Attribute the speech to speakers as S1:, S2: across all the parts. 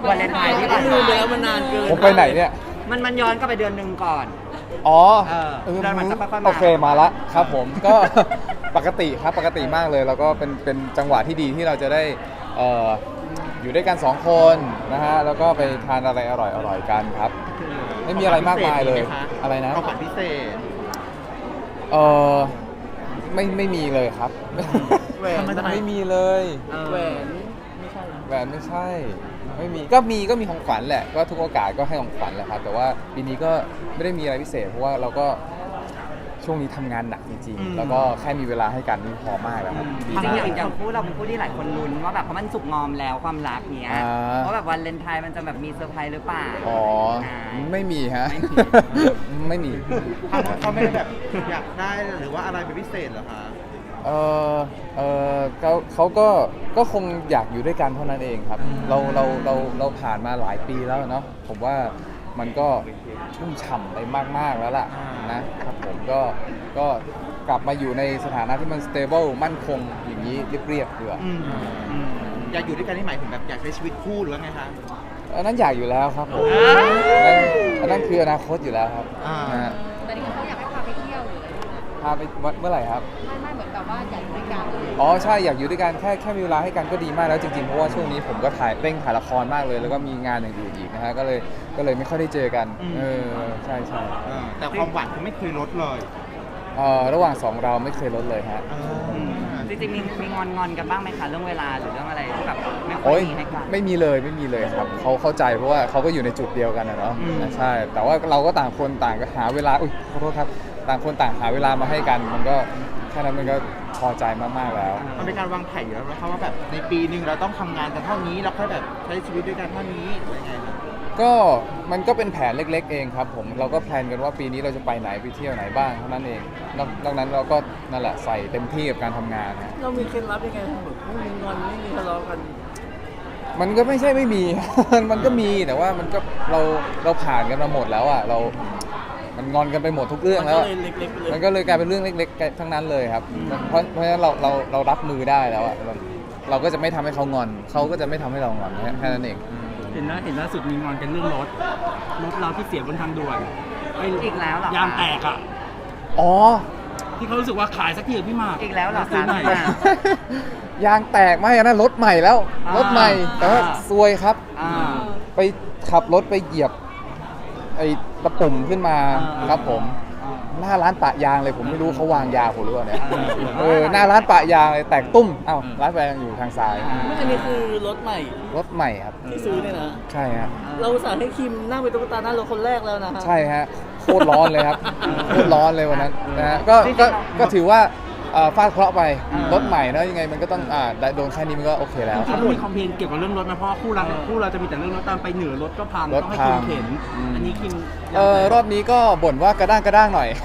S1: วันเลนไทน์ที่ผ่าน
S2: ลื
S1: มาม
S2: ไปแล้วมันนานเกิน
S3: ผมไปไหนเนี่ย
S1: มันย้อนกลับไปเดือนหนึ่งก่อน
S3: อ๋อ
S1: เดือนมันจะค่อยๆมา
S3: โอเคมาละครับผมก็ ปกติครับปกติมากเลยแล้วก็เป็นจังหวะที่ดีที่เราจะได้อยู่ด้วยกัน2คนนะฮะแล้วก็ไปทานอะไรอร่อยๆกันครับ ไม่มีอะไรมากมายเลยอะไรนะ
S4: ของขวัญพิเศษ
S3: เออไม่มีเลยครับ
S2: แหวน
S3: ไม่มีเลย
S2: แหวนไม่ใช่นะ
S3: แหวนไม่ใช่ไม่มีก็มีของขวัญแหละก็ทุกโอกาสก็ให้ของขวัญแหละครับแต่ว่าปีนี้ก็ไม่ได้มีอะไรพิเศษเพราะว่าเราก็ช่วงนี้ทำงานหนักจริงๆแล้วก็แค่มีเวลาให้กันนี่พอมากแล้วครับดี
S1: จริง
S3: มาก
S1: ๆอย่างคู่เราเป็นคู่ที่หลายคนลุ้นว่าแบบเพราะมันสุกงอมแล้วความรักเนี้ย
S3: อ่า
S1: เพราะแบบวันเลนไทน์มันจะแบบมีเซอร์ไพรส์หรือเปล่า
S3: อ๋อไม่มีฮะ ไม่มี
S4: เขาไม่ได้แบบอยากได้หรือว่าอะไรเป็นพิเศษเหรอคะ
S3: เอเขาก็คงอยากอยู่ด้วยกันเท่านั้นเองครับเราผ่านมาหลายปีแล้วเนาะผมว่ามันก็ชุ่มฉ่ำไปมากๆแล้วล่ะนะครับผมก็กลับมาอยู่ในสถานะที่มัน stable มั่นคงอย่างนี้เรียบๆเดือ
S4: อยากอยู่ด้วยกันนี่หมายถึงแบบอยากใช้ชีวิตคู่หรือว่าไงคะ
S3: อันนั้นอยากอยู่แล้วครับผมอันนั้นคืออนาคตอยู่แล้วครับนะฮะ
S5: แต่นี่เขาอยากให้พาไปเที่ยวหรืออะไรอย่างเงี้ย
S3: พาไปเมื่อไหร่ครับ
S5: ไม่เหมือนแบบว่าอยากอยู่ด้วยกัน
S3: อ๋อใช่อยากอยู่ด้วยกันแค่มีเวลาให้กันก็ดีมากแล้วจริงๆเพราะว่าช่วงนี้ผมก็เร่งถ่ายละครมากเลย แล้วก็มีงานอย่างอื่นอีกนะฮะก็เลยไม่ค่อยได้เจอกันใช่
S4: แต่ความหวานคือไม่เคยลดเลย
S3: ระหว่าง2เราไม่เคยลดเลยฮะ
S1: จริงๆมีงอนกันบ้างไหมคะเรื่องเวลาหรือเรื่องอะไรที่แบบไม่ค่อ
S3: โอ้
S1: ย
S3: ย
S1: มีให้กัน
S3: ไม่มีเลยครับเขาเข้าใจเพราะว่าเขาก็อยู่ในจุดเดียวกันนะเนาะใช่แต่ว่าเราก็ต่างคนต่างก็หาเวลาขอโทษครับต่างคนต่างหาเวลามาให้กันมันก็แค่นั้นมันก็พอใจมากๆแล้ว
S4: มันเป็นการวางแผนอยู่แล้วนะคะว่าแบบในปีหนึ่งเราต้องทำงานกันเท่านี้แล้วค่อยแบบใช้ชีวิตด้วยกันเท่านี้อะไรไงครับ
S3: ก็มันก็เป็นแผนเล็กๆเองครับผมเราก็แพลนกันว่าปีนี้เราจะไปไหนไปเที่ยวไหนบ้างเท่านั้นเองนอกนั้นเราก็นั่นแหละใส่เต็มที่กับการทำงานนะ
S2: เรามีเคล็ดลับยังไงแบบไม่มีงอนไม่มีทะเลาะกัน
S3: มันก็ไม่ใช่ไม่มี มันก็มีแต่ว่ามันก็เราผ่านกันมาหมดแล้วอ่ะมันงอนกันไปหมดทุกเรื่อง
S2: มัน
S3: แล้
S2: ก็
S3: ว
S2: เลยเล็กๆไปเลย
S3: มันก็เลยกลายเป็นเรื่องเล็กๆทั้งนั้นเลยครับเพราะฉะนั้นเรารับมือได้แล้วอ่ะเราก็จะไม่ทำให้เขางอนเขาก็จะไม่ทำให้เรางอนแค่นั้นเอง
S6: เห็นล่าสุดมีงอนกันเรื่องรถเราที่เสียบนทางด่วนไอ้
S1: อีกแล้วเหรอย
S6: างแตกอ่ะ
S3: อ๋อ
S6: ที่เขารู้สึกว่าขายสักทีเถอะพี่หมาก
S1: อีกแล้วเหรอ
S6: ซื้
S1: คะ
S6: อหน่อย
S1: พี่หมาก
S3: ยางแตกไหมอันนั้นรถใหม่แล้ว รถใหม่แต่ว่าซวยครับ
S1: อ่า
S3: ไปขับรถไปเหยียบไอ้ตะปุ่มขึ้นมาครับผม หน้าร้านปะยางเลยผมไม่รู้เขาวางยาผมหรือเปล่าเนี่ยหน้าร้านปะยางเลยแตกตุ้มเอ้าร้านปะยางอยู่ทางซ้าย
S2: ไม่อันนี้คือรถใหม่
S3: รถใหม่ครับ
S2: ที่ซื้อเนี่ยนะ
S3: ใช่ฮะ
S2: เราอุตส่าห์ให้คิมนั่งเป็นตุ๊กตาหน้ารถคนแรกแล้วนะฮะ
S3: ใช่ฮะโคตรร้อนเลยครับโคตรร้อนเลยวันนั้นนะฮะก็ถือว่าฟาดเคราะห์ไปรถใหม่นะยังไงมันก็ต้องโดนแค่นี้มันก็โอเคแล้ว
S6: เขามีคอมเพลนเกี่ยวกับเรื่องรถไหมเพราะว่าคู่เราจะมีแต่เรื่องรถตามไปเหนือรถก็พัง
S3: รถ
S6: ต้องให้
S3: พั
S6: คิ
S3: ง
S6: มเข็นอันนี้คิม
S3: รอบนี้ก็บ่นว่ากระด้างหน่อย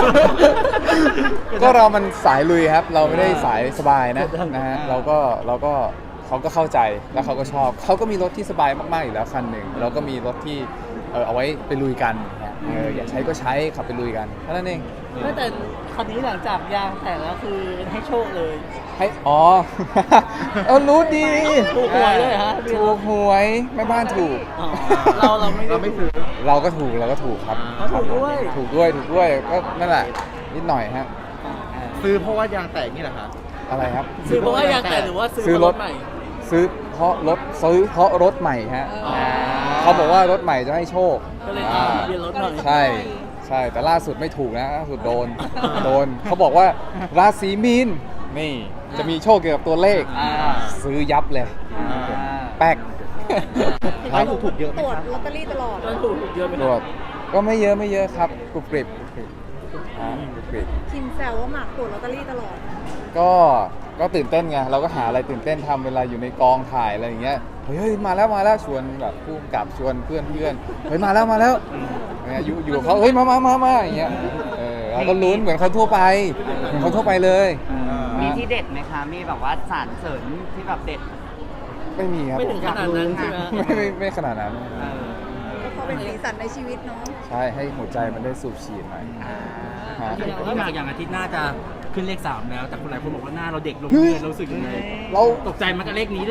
S3: ก็เรามันสายลุยครับ เราไม่ได้สายสบายนะฮะเราก็เขาก็เข้าใจแล้วเขาก็ชอบเขาก็มีรถที่สบายมากๆอยู่แล้วคันหนึ่งเราก็มีรถที่เอาไว้ไปลุยกันอยากใช้ก็ใช้ขับไปลุยกันเท่านั้นเอง
S2: ไม่แต่คันนี้หลังจากยางแตกแล้วคือให้โชคเลย
S3: ให้รู้ดี
S2: ถูกหวยเลยฮะ
S3: ถูกหวยแม่บ้านถูก
S2: อ๋อเราไม่ซื้อ
S3: เราก็ถูกครับ
S2: ถูกด้วย
S3: ถูกด้วยก็นั่นแหะนิดหน่อยฮะ
S4: ซื้อเพราะว่ายางแตกนี่แหละคะ
S3: อะไรครับ
S2: ซื้อเพราะว่ายางแตกหรือว่าซื้อ
S3: ซื้อ
S2: เพ
S3: ร
S2: ราะ
S3: ถ
S2: รถใหม่
S3: ซื้อเพราะรถใหม่ฮะเขาบอกว่ารถใหม่จะให้โชค
S2: ก็เลยตามทะเบียนรถหน่อย
S3: ใช่แต่ล่าสุดไม่ถูกนะล่าสุดโดนเขาบอกว่าราศีมีนนี่จะมีโชคเกี่ยวกับตัวเลขซื้อยับเลยแป๊กค
S4: ไม่
S3: รับ
S4: ถูกเยอะไหม
S5: ตรวจ
S4: คะ
S5: ลอตเตอรี่ตลอด
S2: ก็ถูกเยอะไป
S3: ต
S2: ห
S3: ร
S2: น่
S3: ว
S2: อย
S3: จก็ไม่เยอะครับกรุบกริบกรุบกริบ
S5: คิมแซวว่าหมากตรวจลอตเตอรี่ตลอด
S3: ก็ตื่นเต้นไงเราก็หาอะไรตื่นเต้นทำเวลาอยู่ในกองถ่ายอะไรอย่างเงี้ยเฮ้ยมาแล้วชวนแบบผู้กำกับชวนเพื่อนเฮ้ยมาแล้วเนี่ยอยู่กับเขาเฮ้ยมาอย่างเงี้ยเราก็ลุ้นเหมือนเขาทั่วไปเลย
S1: มีที่เด็ดไหมคะ มีแบบว่าสารเสริญที่แบบเด็ด
S3: ไม่มีครับ
S2: ไม่ถึงขนาดนั้นใช่ไหม
S3: ไม่ขนาดนั้น
S5: ก็เขาเป็นสีสันในชีวิตเนาะ
S3: ใช่ให้หัวใจมันได้สูบฉีดหน่อยฮะ
S6: พี่หมากอย่างอาทิตย์หน้าจะขึ้นเลข 3 แล้ว แต่คนหลายคนบอกว่าหน้าเราเด็กลงเรื่อยๆเรารู้สึกยังไง
S3: เรา
S6: ตกใจมันกับเลขนี้หรือ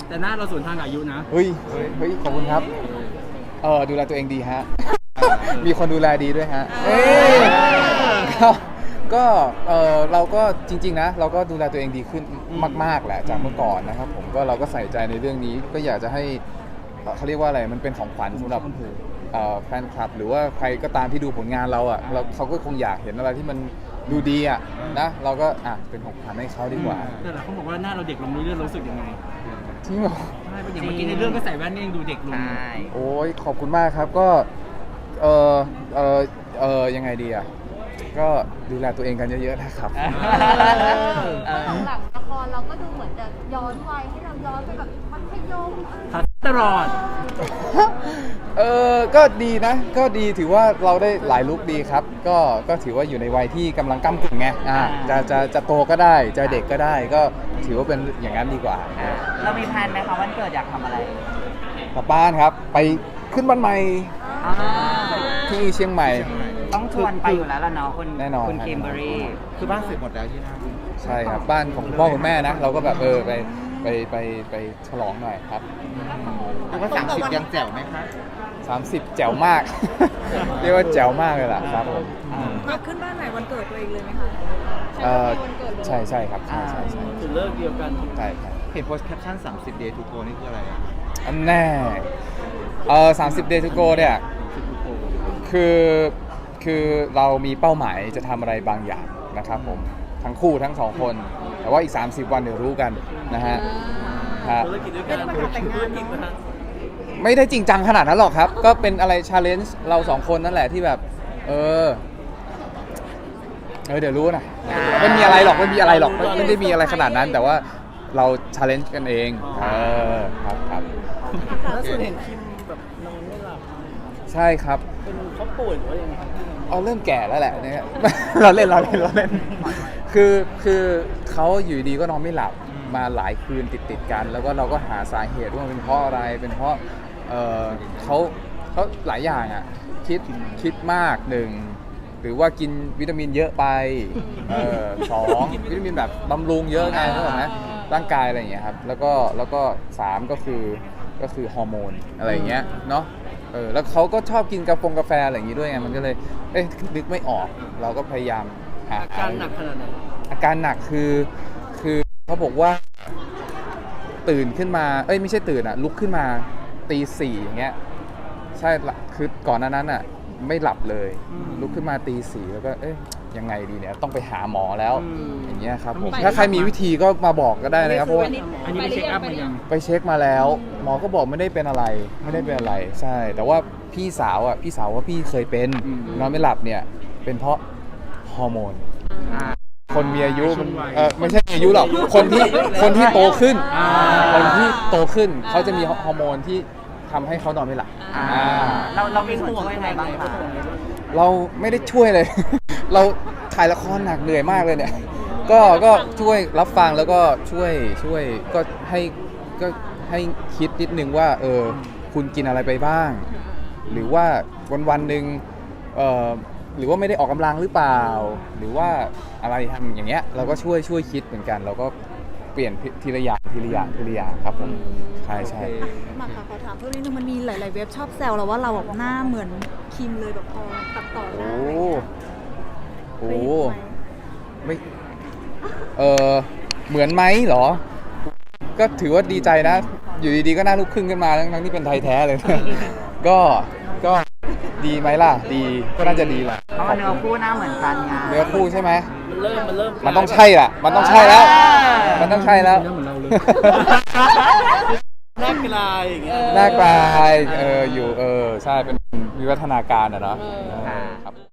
S6: แต่หน้าเราสวนทางกับอายุนะ
S3: เฮ้ยขอบคุณครับดูแลตัวเองดีฮะ มีคนดูแลดีด้วยฮะเอ้ยก็เราก็จริงๆนะเราก็ดูแลตัวเองดีขึ้นมากๆแหละจากเมื่อก่อนนะครับผมก็เราก็ใส่ใจในเรื่องนี้ก็อยากจะให้เขาเรียกว่าอะไรมันเป็นของขวัญสำหรับแฟนคลับหรือว่าใครก็ตามที่ดูผลงานเราอ่ะเขาก็คงอยากเห็นอะไรที่มันดูดีอ่ะนะเราก็เป็นของขวัญให้เขาดีกว่า
S6: แต่หลายคนบอกว่าหน้าเราเด็กลงเรื่อยๆรู้สึกยังไง
S3: จริงเหรอ
S6: ใช่เป็นอย่างเมื่อกี้ในเรื่องก็ใส่แว่นนี่ยังดูเด็กลง
S1: ใช่
S3: โอ้ยขอบคุณมากครับก็ยังไงดีอ่ะก็ดูแลตัวเองกันเยอะๆนะครับ
S7: หลังละครเราก็ดูเหมือนจะย้อนวัยให้เราย้อนไปแบบมัธยม
S6: ทัดตลอด
S3: ก็ดีนะก็ดีถือว่าเราได้หลายลุคดีครับก็ถือว่าอยู่ในวัยที่กำลังก้ำกึ่งไงจะโตก็ได้จะเด็กก็ได้ก็ถือว่าเป็นอย่างนั้นดีกว่า
S1: เรามีแพลนไหมคะวันเกิดอยากทำอะไร
S3: กลับบ้านครับไปขึ้นบ้านใหม่
S1: อ่า
S3: ที่เชียงใหม่
S1: ต้องชวนไปอยู่แล้วล่ะเนาะคุณ
S3: แน่นอน
S1: คุณคิมเบอรี่
S4: คือบ้านเสร็จหมดแล้วที่นั่น
S3: ใช่ครับบ้านของคุณพ่อคุณแม่นะเราก็แบบไปฉลองหน่อยครับ
S4: เรียกว่า30ยังแจ๋วไหมคะ
S3: 30แจ๋วมาก เรียกว่าแจ๋วมากเลยล่ะครับผม
S5: อยากขึ้นบ้านใหม่วันเกิดตัวเองเลยไหมคะ
S3: ใช่ครับใช่
S6: คือเลิกเดียวกัน
S3: ใช่ครับ
S4: เห็นโพสต์แคปชั่น30 day to go นี่คืออะไรอะ
S3: อันแน่30 day to go เนี่ยคือเรามีเป้าหมายจะทำอะไรบางอย่างนะครับผมทั้งคู่ทั้งสองคน แต่ว่าอีก30 วันเดี๋ยวรู้กันนะฮะครับ
S6: ธุรกิจด้วยกัน
S5: ไม่ได้มาทำแต่งงานเนอะ
S3: ไม่ได้จริงจังขนาดนั้นหรอกครับ ก็เป็นอะไรชาเลนจ์เราสองคนนั่นแหละที่แบบเดี๋ยวรู้นะไม่มีอะไรหรอกไม่ได้มีอะไรขนาดนั้น แต่ว่าเราชาเลนจ์กันเองครับ
S2: ล่าสุดเห็นคิมแบบนอนไม่หลับ
S3: ใช่ครับ
S2: เป็นเขาป่วยหรือว่ายังไงครับ
S3: เริ่มแก่แล้วแหละเนี่ย เราเล่นคือเขาอยู่ดีก็นอนไม่หลับมาหลายคืนติดกัน แล้วก็เราก็หาสาเหตุว่ามันเป็นเพราะอะไรเป็นเพราะเขาหลายอย่างอ่ะคิดมากหนึ่งหรือว่ากินวิตามินเยอะไปสองวิตามินแบบบำรุงเยอะไงเข้าใจไหมร่างกายอะไรอย่างเงี้ยครับแล้วก็สามก็คือฮอร์โมนอะไรอย่างเงี้ยเนาะแล้วเขาก็ชอบกินกาแฟอะไรอย่างงี้ด้วยไงมันก็เลยนึกไม่ออกเราก็พยายามหา
S6: อาการหนักขนาดไหน
S3: อาการหนักคือเขาบอกว่าตื่นขึ้นมาไม่ใช่ตื่นลุกขึ้นมาตี 4อย่างเงี้ยใช่คือก่อนหน้านั้นไม่หลับเลยลุกขึ้นมาตี 4แล้วก็ยังไงดีเนี่ยต้องไปหาหมอแล้วอย่างเงี้ยครับผมถ้าใครมีวิธีก็มาบอกก็ได้นะครับเพราะว่า
S6: อันนี้ไปเช็คอัพมายัง
S3: ไปเช็คมาแล้วหมอก็บอกไม่ได้เป็นอะไรใช่แต่ว่าพี่สาวว่าพี่เคยเป็นนอนไม่หลับเนี่ยเป็นเพราะฮอร์โมนคนมีอายุมันไม่ใช่มีอายุหรอกคนที่โตขึ้นคนที่โตขึ้นเขาจะมีฮอร์โมนที่ทำให้เขานอนไม่หลับ
S1: เรามีส่วนช่วยยังไงบ้างคะ
S3: เราไม่ได้ช่วยเลย เราถ่ายละครหนักเหนื่อยมากเลยเนี่ยก็ช่วยรับฟังแล้วก็ช่วยก็ให้คิดนิดนึงว่าคุณกินอะไรไปบ้าง หรือว่าวันหนึ่งหรือว่าไม่ได้ออกกำลังหรือเปล่า หรือว่าอะไรทำอย่างเงี้ยเราก็ช่วยคิดเหมือนกันเราก็เปลี่ยนทีละอย่างครับผมใช่
S5: มาค่ะขอถามเพิ่มนิดนึงมันมีหลายๆเว็บชอบแซวเราว่าเราแบบหน้าเหมือนคิมเลยแบบพอตัดต่อหน้าอะไรอย่างเงี้ย
S3: โอ้
S5: เคยเห็นไหม
S3: ไม่เหมือนไหมเหรอ ก็ถือว่าดีใจนะ อยู่ดีๆก็หน้าลูกครึ่งขึ้นมาทั้งที่เป็นไทยแท้เลย ก็ดีไหมล่ะดีก็น่าจะดีแหละ
S1: เพราะว่าเนื้อคู่หน้าเหมือนกันไง
S3: เนื้อคู่ใช่ไหม
S6: มันเริ่ม
S3: มันต้องใช่ล่ะมันต้องใช่แล้วมันต้องใช่แล้ว
S6: เหมือนเราเลย
S2: หน้ากลายอย่างเงี้ย
S3: หน้ากลายอยู่ใช่เป็นวิวัฒนาการอะเนาะครับ